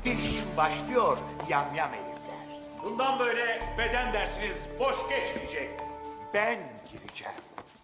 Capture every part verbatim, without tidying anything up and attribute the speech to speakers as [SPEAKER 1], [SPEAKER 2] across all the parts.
[SPEAKER 1] Değişim başlıyor yamyam herifler.
[SPEAKER 2] Bundan böyle beden dersiniz boş geçmeyecek.
[SPEAKER 1] Ben gireceğim.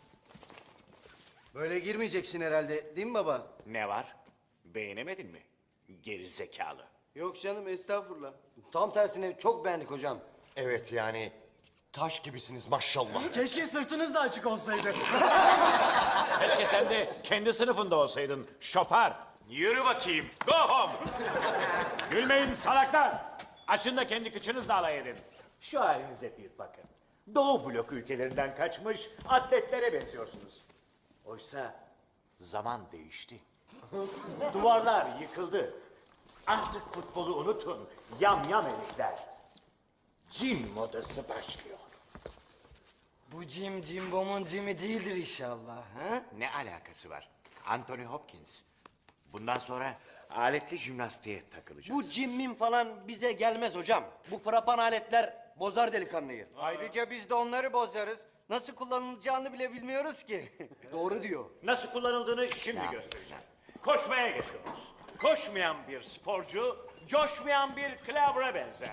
[SPEAKER 3] Böyle girmeyeceksin herhalde, değil mi baba?
[SPEAKER 1] Ne var? Beğenemedin mi? Geri zekalı.
[SPEAKER 3] Yok canım, estağfurullah.
[SPEAKER 4] Tam tersine çok beğendik hocam.
[SPEAKER 5] Evet yani taş gibisiniz maşallah.
[SPEAKER 3] Keşke sırtınız da açık olsaydı.
[SPEAKER 2] Keşke sen de kendi sınıfında olsaydın şopar. Yürü bakayım. Go home. Gülmeyin salaklar. Açın da kendi kıçınızla alay edin.
[SPEAKER 1] Şu halinize bir bakın. Doğu blok ülkelerinden kaçmış atletlere benziyorsunuz. Oysa zaman değişti. Duvarlar yıkıldı. Artık futbolu unutun. Yam yam herifler. Cin modası başlıyor.
[SPEAKER 6] Bu Jim Jimbom'un Jim'i değildir inşallah. Ha?
[SPEAKER 1] Ne alakası var? Anthony Hopkins. Bundan sonra aletli jimnastiğe
[SPEAKER 4] Bu
[SPEAKER 1] takılacaksınız.
[SPEAKER 4] cimmin falan bize gelmez hocam. Bu frapan aletler bozar delikanlıyı.
[SPEAKER 3] Ayrıca biz de onları bozarız. Nasıl kullanılacağını bile bilmiyoruz ki.
[SPEAKER 4] Doğru diyor.
[SPEAKER 2] Nasıl kullanıldığını şimdi göstereceğim. Koşmaya geçiyoruz. Koşmayan bir sporcu, coşmayan bir klavra benzer.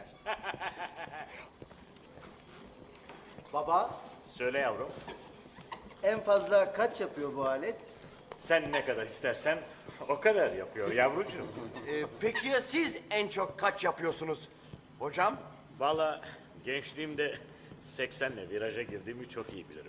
[SPEAKER 3] Baba,
[SPEAKER 2] Söyle yavrum,
[SPEAKER 3] en fazla kaç yapıyor bu alet?
[SPEAKER 2] sen ne kadar istersen o kadar yapıyor yavrucuğum.
[SPEAKER 5] Ee, peki ya siz en çok kaç yapıyorsunuz hocam?
[SPEAKER 2] Vallahi gençliğimde seksenle viraja girdiğimi çok iyi bilirim.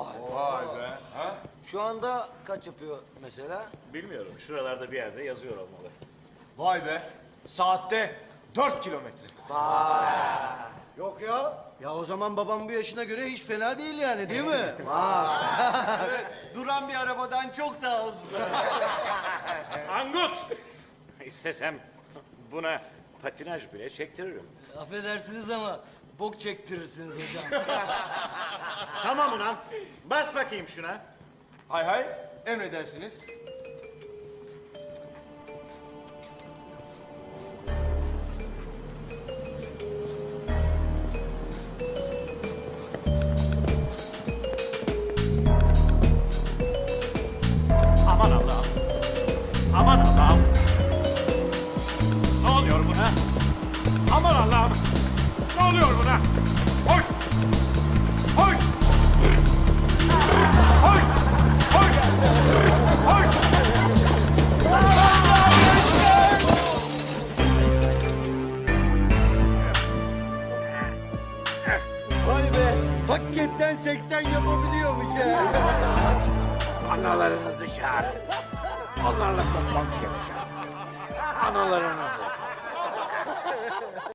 [SPEAKER 6] Şu anda kaç yapıyor mesela?
[SPEAKER 2] Bilmiyorum, şuralarda bir yerde yazıyor olmalı.
[SPEAKER 7] Vay be. Saatte dört kilometre.
[SPEAKER 3] Yok ya. Ya o zaman babam bu yaşına göre hiç fena değil yani, değil mi?
[SPEAKER 5] Duran bir arabadan çok daha hızlı.
[SPEAKER 2] Angut! İstesem buna patinaj bile çektiririm.
[SPEAKER 6] Affedersiniz ama bok çektirirsiniz hocam.
[SPEAKER 2] Tamam ulan, bas bakayım şuna.
[SPEAKER 7] Hay hay. Emredersiniz.
[SPEAKER 2] Aman Allah'ım. Aman Allah'ım. Ne oluyor buna? Aman Allah'ım. Ne oluyor buna? Hoş. Hoş. Hoş. Hoş. Hoş.
[SPEAKER 3] Vay be. Hakikaten seksen yapabiliyormuş ha.
[SPEAKER 1] Analarınızı çağırın. Onlarla toplantı yapacağım. Analarınızı.